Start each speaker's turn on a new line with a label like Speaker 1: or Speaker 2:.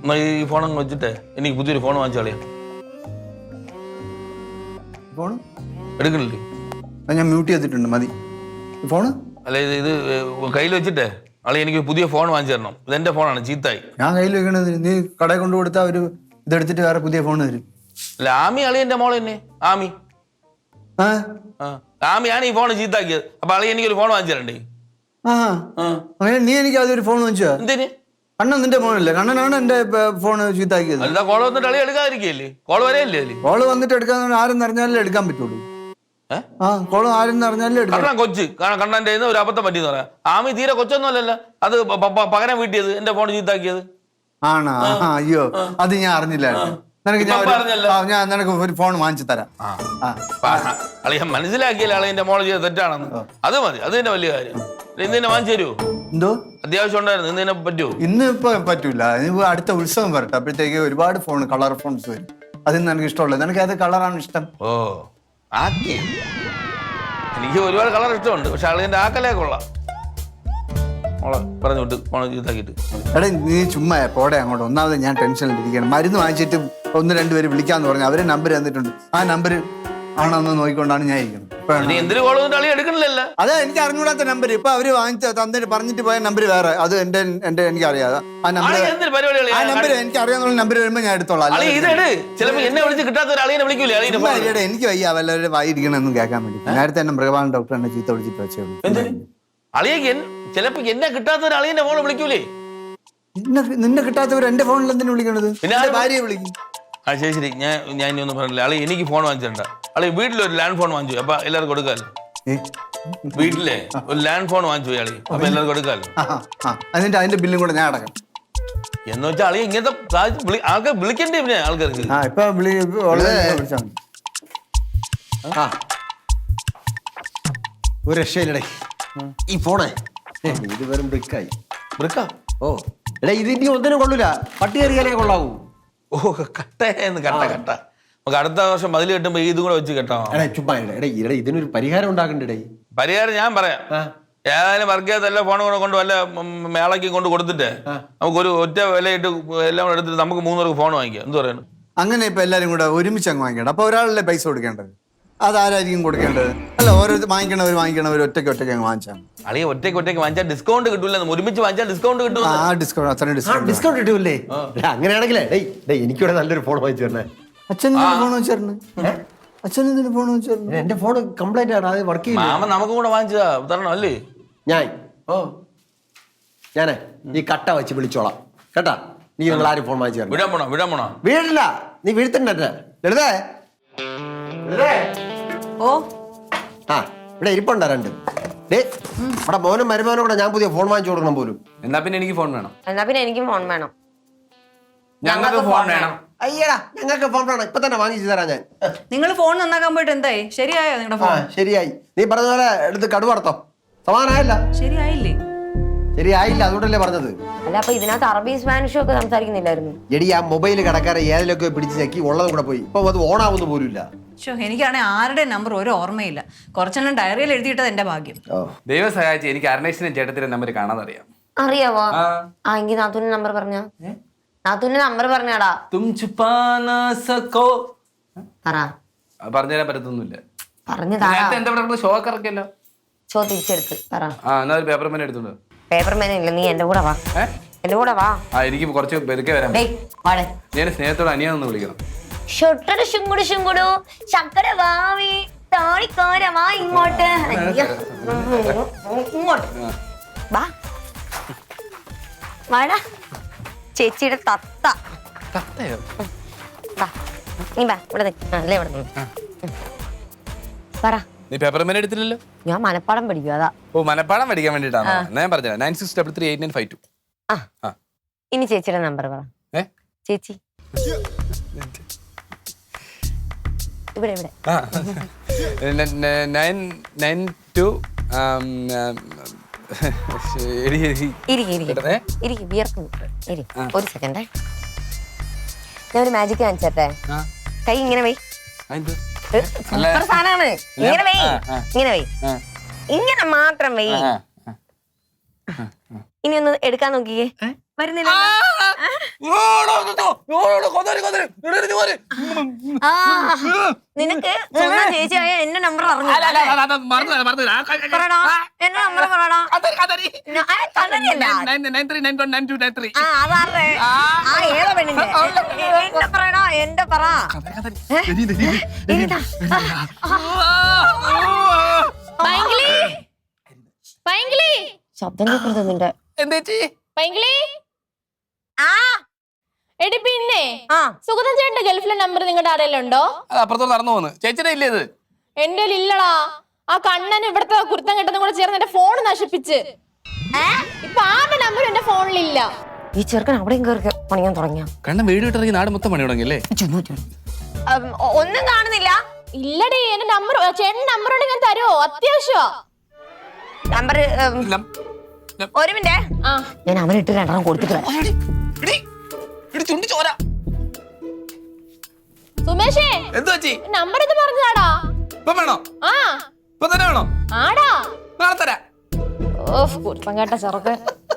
Speaker 1: ഈ ഫോൺ അങ്ങ് വെച്ചിട്ടേ എനിക്ക് പുതിയൊരു ഫോൺ വാങ്ങിച്ചാളിയാ.
Speaker 2: ഫോൺ
Speaker 1: എടുക്കണില്ലേ?
Speaker 2: ഞാൻ മ്യൂട്ട് ചെയ്തിട്ടുണ്ട്, മതി ഫോണ്.
Speaker 1: അല്ല ഇത് കയ്യിൽ വെച്ചിട്ടേ അളി എനിക്ക് പുതിയ ഫോൺ വാങ്ങിച്ചു തരണം. ഇതെന്റെ ഫോണാണ്, ചീത്തായി.
Speaker 2: ഞാൻ കയ്യിൽ വെക്കണത് നീ കടയിൽ കൊണ്ടു കൊടുത്താൽ അവര് ഇതെടുത്തിട്ട് വേറെ പുതിയ ഫോൺ തരും.
Speaker 1: അല്ല ആമി അളിയന്റെ മോള് തന്നെ ആമി. ആമിയാണ് ഈ ഫോൺ ചീത്താക്കിയത്. അപ്പൊ അളി എനിക്കൊരു ഫോൺ വാങ്ങിച്ചു തരണ്ടേ?
Speaker 2: അങ്ങനെ നീ എനിക്ക് അതൊരു ഫോൺ വാങ്ങിച്ചോ?
Speaker 1: എന്തിന്?
Speaker 2: കണ്ണൻ നിന്റെ ഫോണല്ലേ? കണ്ണനാണ് എന്റെ ഫോൺ ചീത്താക്കിയത്.
Speaker 1: അല്ല കോള് വന്നിട്ട് അളി എടുക്കാതിരിക്കല്ലേ? കോള് വരെയല്ലേ അതില്?
Speaker 2: കോള് വന്നിട്ട് എടുക്കാൻ ആരെന്ന് അറിഞ്ഞാലേ എടുക്കാൻ പറ്റുള്ളൂ. കോള് ആരെന്ന് അറിഞ്ഞാലേ എടുക്കാം.
Speaker 1: കണ്ണൻ കൊച്ച് കണ്ണന്റെ ഒരു അബദ്ധം പറ്റിയെന്ന് പറയാം. ആമി തീരെ കൊച്ചൊന്നും അല്ലല്ലോ, അത് പകരം വീട്ടിയത് എന്റെ ഫോൺ ചീത്താക്കിയത്.
Speaker 2: ആണോ? അയ്യോ, അത് ഞാൻ അറിഞ്ഞില്ലായിരുന്നു. ഞാൻ നിനക്ക് ഒരു ഫോൺ വാങ്ങിച്ചു തരാം.
Speaker 1: അളിയ മനസ്സിലാക്കിയല്ലേ അളിയന്റെ മോള് ചെയ്ത് തെറ്റാണെന്ന്. അത് മതി, അത് തന്നെ വലിയ കാര്യം. ഇന്ന് തന്നെ വാങ്ങിച്ചു തരുമോ?
Speaker 2: എന്തോ
Speaker 1: അത്യാവശ്യം ഉണ്ടായിരുന്നു, ഇന്ന് തന്നെ പറ്റുമോ?
Speaker 2: ഇന്ന് ഇപ്പൊ പറ്റൂല, അടുത്ത ഉത്സവം വരട്ടെ, അപ്പോഴത്തേക്ക് ഒരുപാട് ഫോൺ കളർ ഫോൺസ് വരും. അതിന് എനിക്ക് ഇഷ്ടമുള്ളത്. നിനക്ക് അത് കളറാണ് ഇഷ്ടം?
Speaker 1: ഓ ആക്കി എനിക്ക് ഒരുപാട് കളർ ഇഷ്ടമുണ്ട്, പക്ഷെ അളിയന്റെ ആക്കലേ കൊള്ളാം. മോളെ പറഞ്ഞു വിട്ട് ഫോൺ ചീത്താക്കിയിട്ട്.
Speaker 2: എടാ നീ ചുമ്മാ പോടെ അങ്ങോട്ട്. ഒന്നാമത് ഞാൻ ടെൻഷനിലിരിക്കണം. മരുന്ന് വാങ്ങിച്ചിട്ട് 1-2 പേര് വിളിക്കാന്ന് പറഞ്ഞു. അവരെ നമ്പർ തന്നിട്ടുണ്ട്. ആ നമ്പർ ആണെന്ന് നോക്കിക്കൊണ്ടാണ് ഞാൻ ഇരിക്കുന്നത്.
Speaker 1: എന്തിനു കോൾ വന്നിട്ട് അളി എടുക്കണില്ലല്ലോ?
Speaker 2: അതെ, എനിക്ക് അറിഞ്ഞൂടാത്ത നമ്പർ. ഇപ്പൊ അവര് തന്നിട്ട് പറഞ്ഞിട്ട് പോയ നമ്പർ വേറെ. അത് എന്റെ എനിക്കറിയാതെ ആ നമ്പർ എനിക്ക് അറിയാന്നുള്ള നമ്പർ വരുമ്പോ ഞാൻ എടുത്തോളാം. എനിക്ക് വയ്യ വല്ലവരുടെ വായിരിക്കണമെന്നും കേൾക്കാൻ വേണ്ടി. നേരത്തെ തന്നെ മൃഗപാലൻ ഡോക്ടർ എന്നെ ചീത്ത വിളിച്ചിട്ട് വെച്ചേ.
Speaker 1: അളിയെ ചിലപ്പോ എന്നെ കിട്ടാത്ത ഒരു അളിയന്റെ ഫോൺ വിളിക്കൂലേ?
Speaker 2: നിന്നെ കിട്ടാത്തവർ എന്റെ ഫോണിൽ എന്തിനു വിളിക്കണത്? ഭാര്യയെ വിളിക്കും.
Speaker 1: ആ ശരി ശരി, ഞാൻ ഇനി ഒന്നും പറഞ്ഞില്ല. അളി എനിക്ക് ഫോൺ വാങ്ങിച്ചിട്ടുണ്ട. അളി വീട്ടിലൊരു ലാൻഡ് ഫോൺ വാങ്ങിച്ചു, അപ്പൊ എല്ലാവർക്കും കൊടുക്കാല്ലോ. വീട്ടിലെ ഒരു ലാൻഡ് ഫോൺ വാങ്ങിച്ചു അളി, അപ്പൊ എല്ലാവർക്കും കൊടുക്കാല്ലോ.
Speaker 2: എന്നിട്ട് അതിന്റെ ബില്ലും കൂടെ ഞാൻ അടക്കാം
Speaker 1: എന്ന് വെച്ചാൽ അളി ഇങ്ങനത്തെ ആൾക്കാർ വിളിക്കണ്ടേ? പിന്നെ ആൾക്കാർക്ക്
Speaker 3: ഒരു രക്ഷയില്ലടേ ഈ ഫോണേ. ഇത് വെറും ബ്രിക്കായി.
Speaker 1: ബ്രിക്കാ?
Speaker 3: ഓ എടാ, ഇത് ഇനി ഒന്നിനും കൊള്ളൂല. പട്ടി കയറിയാലേ കൊള്ളാവൂ.
Speaker 1: ഓ കട്ടേന്ന് കട്ട കട്ട. നമുക്ക് അടുത്ത വർഷം മതിൽ കെട്ടുമ്പോ ഇതും കൂടെ വെച്ച് കെട്ടാം.
Speaker 3: എടാ ചുമ്മാ എടാ ഇതിനൊരു പരിഹാരം ഉണ്ടാക്കണ്ടേ?
Speaker 1: പരിഹാരം ഞാൻ പറയാം. ഏതായാലും വർക്ക് ചെയ്യാത്ത എല്ലാ ഫോണും കൂടെ കൊണ്ട് വല്ല മേളയ്ക്ക് കൊണ്ട് കൊടുത്തിട്ട് നമുക്ക് ഒരു ഒറ്റ വിലയിട്ട് എല്ലാം കൂടെ എടുത്തിട്ട് നമുക്ക് 3 പേർക്ക് ഫോൺ വാങ്ങിക്കാം. എന്ത് പറയുന്നു?
Speaker 2: അങ്ങനെ ഇപ്പൊ എല്ലാരും കൂടെ ഒരുമിച്ച് അങ്ങ് വാങ്ങിക്കണം. അപ്പൊ ഒരാളല്ലേ പൈസ കൊടുക്കേണ്ടത്? അതാരായിരിക്കും കൊടുക്കേണ്ടത്? അല്ല, ഓരോ വാങ്ങിക്കണവർ ഒറ്റയ്ക്ക് അങ്ങ് വാങ്ങിച്ചാൽ.
Speaker 1: അളിയെ ഒറ്റയ്ക്ക് വാങ്ങിച്ചാൽ ഡിസ്കൗണ്ട് കിട്ടൂല. ഒരുമിച്ച് വാങ്ങിച്ചാൽ ഡിസ്കൗണ്ട് കിട്ടും.
Speaker 3: ഡിസ്കൗണ്ട് കിട്ടൂല്ലേ? അങ്ങനെയാണെങ്കിലേ എനിക്കിവിടെ നല്ലൊരു ഫോൺ വാങ്ങിച്ചു തരണേ.
Speaker 2: അച്ഛന് ഫോൺ വെച്ചിരുന്നു. അച്ഛന് ഫോൺ വെച്ചിരുന്നു.
Speaker 3: എന്റെ ഫോൺ കംപ്ലൈന്റ് ആണ്, അത് വർക്ക് ചെയ്യും.
Speaker 1: മാമ നമുക്കും കൂടെ വാങ്ങിച്ചതാ തരണം അല്ലേ?
Speaker 3: ഞാനേ ഈ കട്ട വെച്ച് വിളിച്ചോളാം കേട്ടാ. നീ നിങ്ങൾ ആരും ഫോൺ വാങ്ങിച്ചു തരണം.
Speaker 1: വിടാൻ പോണോ?
Speaker 3: വീടില്ല, നീ വീഴ്ത്തണ്ടേ. ലളിതേ
Speaker 4: ഓ
Speaker 3: ആ ഇവിടെ ഇരിപ്പുണ്ടോ 2? ഇവിടെ മോനും മരുമോനും കൂടെ ഞാൻ പുതിയ ഫോൺ വാങ്ങിച്ചു കൊടുക്കണം പോലും.
Speaker 1: എന്നാ പിന്നെ എനിക്ക് ഫോൺ വേണം.
Speaker 4: എന്നാ പിന്നെ എനിക്കും ഫോൺ വേണം.
Speaker 1: ഞങ്ങൾക്ക് ഫോൺ വേണം.
Speaker 3: അയ്യടാ, ഞങ്ങൾക്ക് ഫോൺ വേണം. ഇപ്പൊ തന്നെ വാങ്ങിച്ചു തരാം ഞാൻ.
Speaker 4: നിങ്ങൾ ഫോൺ നന്നാക്കാൻ പോയിട്ട് എന്തായി? ശരിയായോ നിങ്ങളുടെ ഫോൺ?
Speaker 3: ശരിയായി. നീ പറഞ്ഞ പോലെ എടുത്ത് കടുവടത്തോ. സമാനായില്ല?
Speaker 4: ശരിയായില്ലേ?
Speaker 3: ശരിയായില്ല, അതുകൊണ്ടല്ലേ പറഞ്ഞത്.
Speaker 4: അല്ല, അപ്പൊ ഇതിനകത്ത് അറബി സ്പാനിഷും ഒക്കെ സംസാരിക്കുന്നില്ലായിരുന്നു?
Speaker 3: എടി, ആ മൊബൈൽ കടക്കാരെ ഏതിലൊക്കെ പിടിച്ച് ഞെക്കി ഉള്ളതും കൂടെ പോയി. ഇപ്പൊ അത് ഓണാവുന്ന പോലുമില്ല.
Speaker 4: എനിക്കാണെങ്കിൽ ആരുടെ നമ്പർ ഒരു ഓർമ്മയില്ല. കുറച്ചെണ്ണം ഡയറിയിൽ എഴുതിയിട്ടത് എന്റെ ഭാഗ്യം.
Speaker 1: ദൈവം സഹായിച്ച് എനിക്ക് അരുണേഷിന്റെ ചേട്ടത്തിന്റെ നമ്പർ കാണാൻ അറിയാം.
Speaker 4: അറിയാവോ? ആ എങ്കിൽ നാത്തൂന്റെ നമ്പർ പറഞ്ഞ. നാത്തൂന്റെ നമ്പർ പറഞ്ഞാടാ.
Speaker 1: പറഞ്ഞുതരാൻ പറ്റത്തൊന്നുമില്ല.
Speaker 4: പറഞ്ഞതാ.
Speaker 1: ഷോ ഒക്കെ ഇറക്കിയല്ലോ.
Speaker 4: ഷോ തിരിച്ചെടുത്ത് പറ.
Speaker 1: പേപ്പർ മേൻ എടുത്തോണ്ട്.
Speaker 4: പേപ്പർ മേൻ ഇല്ല, നീ എന്റെ കൂടെ വാ. എന്റെ കൂടെ വാ.
Speaker 1: എനിക്ക് കുറച്ച് പെരുക്കെ വരാം. ഞാൻ സ്നേഹത്തോടെ അനിയാന്ന് വിളിക്കണം.
Speaker 4: ഇങ്ങോട്ട് വാടാ ചേച്ചിയുടെ തത്ത. നീ വാ ഇവിടെ അല്ലേ ഇവിടെ പറ.
Speaker 1: നീ പേപ്പർ മേൻ എടുത്തില്ലല്ലോ.
Speaker 4: ഞാൻ മനപ്പാടം പഠിക്കും അതാ.
Speaker 1: ഓ, മനപ്പാടം പഠിക്കാൻ വേണ്ടിട്ടാണ് ഞാൻ പറഞ്ഞത്. 96338952.
Speaker 4: ഇനി ചേച്ചിയുടെ നമ്പർ പറ. ചേച്ചി ഇവിടെ ഇവിടെ
Speaker 1: 992
Speaker 4: ഒരു സെക്കൻഡേ. ഞാൻ ഒരു മാജിക് കാണിച്ചേ. കൈ ഇങ്ങനെ വൈ. സൂപ്പർ സാധനമാണ്. ഇങ്ങനെ വൈ, ഇങ്ങനെ വൈ, ഇങ്ങനെ മാത്രം വൈ. ഇനി ഒന്ന് എടുക്കാൻ നോക്കിയേ. വരുന്നില്ല നിനക്ക് സ്വന്തം ചേച്ചിയായ എന്റെ നമ്പർ അറിഞ്ഞു പറയടാ എന്റെ നമ്പർ പറയടാ അതാറേ ഏതാ പെണ്ണിന്റെ എന്റെ പറയടാ എന്റെ പറ ശബ്ദം കേൾക്കുന്നത് നിന്റെ
Speaker 5: എടി പിന്നെ സുഗതൻ ചേട്ടന്റെ ഗൾഫിലെ നമ്പർ നിങ്ങളുടെ ആരെയല്ലുണ്ടോ?
Speaker 6: അപ്പുറത്തോട്ട് നടന്നു പോന്ന്. ചേച്ചിയുടെ ഇല്ലേ ഇത്?
Speaker 5: എന്റെ ഇല്ലടാ. ആ കണ്ണൻ ഇവിടുത്തെ കുരുത്തം കെട്ടുന്ന കൂടെ ചേർന്ന് എന്റെ ഫോൺ നശിപ്പിച്ച്. ഇപ്പൊ ആരുടെ നമ്പർ എന്റെ ഫോണിലില്ല.
Speaker 4: ഈ ചെറുക്കൻ അവിടെയും കയറി പണിയാൻ തുടങ്ങിയ
Speaker 6: കണ്ണൻ വീട് വിട്ടിറങ്ങി നാട് മൊത്തം പണി തുടങ്ങിയല്ലേ?
Speaker 4: ഒന്നും കാണുന്നില്ല.
Speaker 5: ഇല്ലടി എന്റെ നമ്പർ ചേട്ടൻ നമ്പർ ഉണ്ടെങ്കിൽ ഞാൻ തരുമോ? അത്യാവശ്യമാ
Speaker 4: നമ്പർ. ഒരു മിനിറ്റ് ഞാൻ അവനിട്ട് 2 കൊടുത്തിട്ട്
Speaker 5: സുമേഷേ
Speaker 6: എന്ത് വെച്ചി?
Speaker 5: നമ്പർ ഇത് പറഞ്ഞാടാ.
Speaker 6: ഇപ്പൊ വേണോ?
Speaker 5: ആ
Speaker 6: ഇപ്പൊ തന്നെ വേണോ?
Speaker 5: ആടാ
Speaker 6: നാളെ തരാം.
Speaker 5: ഓ കുരുത്തം കേട്ട ചെറുക്കൻ.